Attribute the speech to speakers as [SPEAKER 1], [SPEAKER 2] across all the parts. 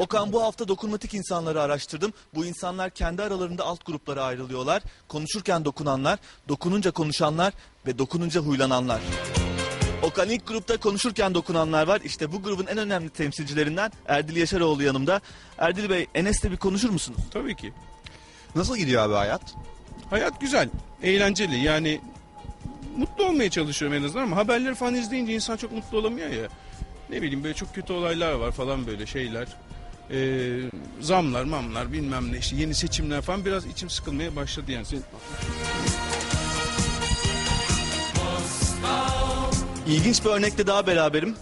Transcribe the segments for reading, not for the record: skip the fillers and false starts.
[SPEAKER 1] Okan, bu hafta dokunmatik insanları araştırdım. Bu insanlar kendi aralarında alt gruplara ayrılıyorlar. Konuşurken dokunanlar, dokununca konuşanlar ve dokununca huylananlar. Okan, ilk grupta konuşurken dokunanlar var. İşte bu grubun en önemli temsilcilerinden Erdil Yaşaroğlu yanımda. Erdil Bey, Enes'le bir konuşur musunuz?
[SPEAKER 2] Tabii ki.
[SPEAKER 3] Nasıl gidiyor abi hayat?
[SPEAKER 2] Hayat güzel, eğlenceli. Yani mutlu olmaya çalışıyorum en azından ama haberleri falan izleyince insan çok mutlu olamıyor ya. Ne bileyim, böyle çok kötü olaylar var falan, böyle şeyler. Zamlar, mamlar, bilmem ne, işte yeni seçimler falan, biraz içim sıkılmaya başladı yani.
[SPEAKER 1] İlginç bir örnekle daha beraberim.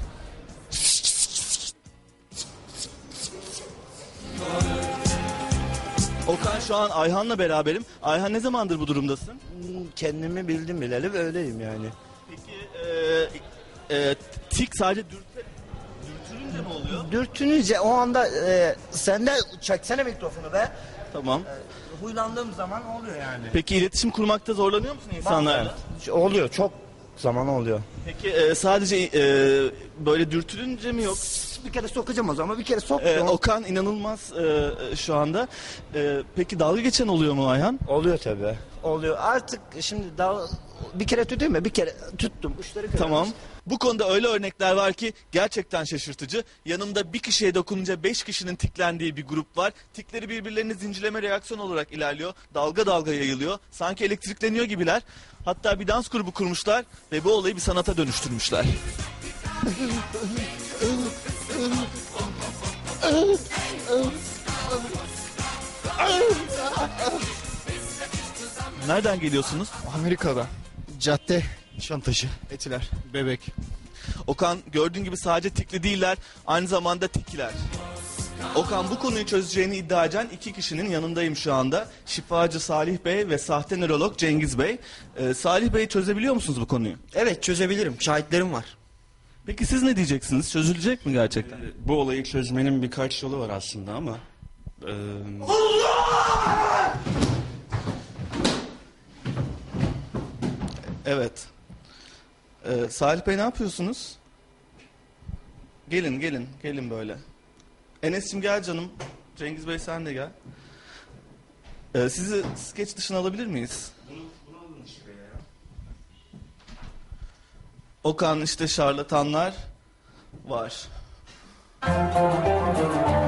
[SPEAKER 1] Okan, şu an Ayhan'la beraberim. Ayhan, ne zamandır bu durumdasın?
[SPEAKER 4] Kendimi bildim bileli ve öyleyim yani.
[SPEAKER 1] Peki tik sadece dürtülünce mi oluyor?
[SPEAKER 4] Dürtününce o anda sen de çeksene mikrofonu be.
[SPEAKER 1] Tamam.
[SPEAKER 4] Huylandığım zaman oluyor yani.
[SPEAKER 1] Peki iletişim kurmakta zorlanıyor musun insanlarla?
[SPEAKER 4] Oluyor, çok zaman oluyor.
[SPEAKER 1] Peki sadece böyle dürtülünce mi yok?
[SPEAKER 4] Bir kere sokacağım o zaman, bir kere sok.
[SPEAKER 1] Okan inanılmaz şu anda. Peki dalga geçen oluyor mu Ayhan?
[SPEAKER 4] Oluyor tabii. Oluyor. Artık şimdi daha bir kere tutayım mı? Bir kere tuttum. Uçları kırarız.
[SPEAKER 1] Tamam. Bu konuda öyle örnekler var ki gerçekten şaşırtıcı. Yanımda bir kişiye dokununca 5 kişinin tiklendiği bir grup var. Tikleri birbirlerini zincirleme reaksiyon olarak ilerliyor. Dalga dalga yayılıyor. Sanki elektrikleniyor gibiler. Hatta bir dans grubu kurmuşlar ve bu olayı bir sanata dönüştürmüşler. Nereden geliyorsunuz?
[SPEAKER 3] Amerika'da. Cadde, Nişantaşı, Etiler, Bebek.
[SPEAKER 1] Okan, gördüğün gibi sadece tikli değiller, aynı zamanda tikkiler. Okan, bu konuyu çözeceğini iddia eden 2 kişinin yanındayım şu anda. Şifacı Salih Bey ve sahte nörolog Cengiz Bey. Salih Bey, çözebiliyor musunuz bu konuyu?
[SPEAKER 4] Evet, çözebilirim. Şahitlerim var.
[SPEAKER 1] Peki siz ne diyeceksiniz? Çözülecek mi gerçekten?
[SPEAKER 5] Bu olayı çözmenin birkaç yolu var aslında ama...
[SPEAKER 1] Evet. Salih Bey, ne yapıyorsunuz? Gelin böyle. Enes'cim gel canım. Cengiz Bey sen de gel. Sizi skeç dışına alabilir miyiz?
[SPEAKER 5] Bunu alın işte ya.
[SPEAKER 1] Okan, işte şarlatanlar var.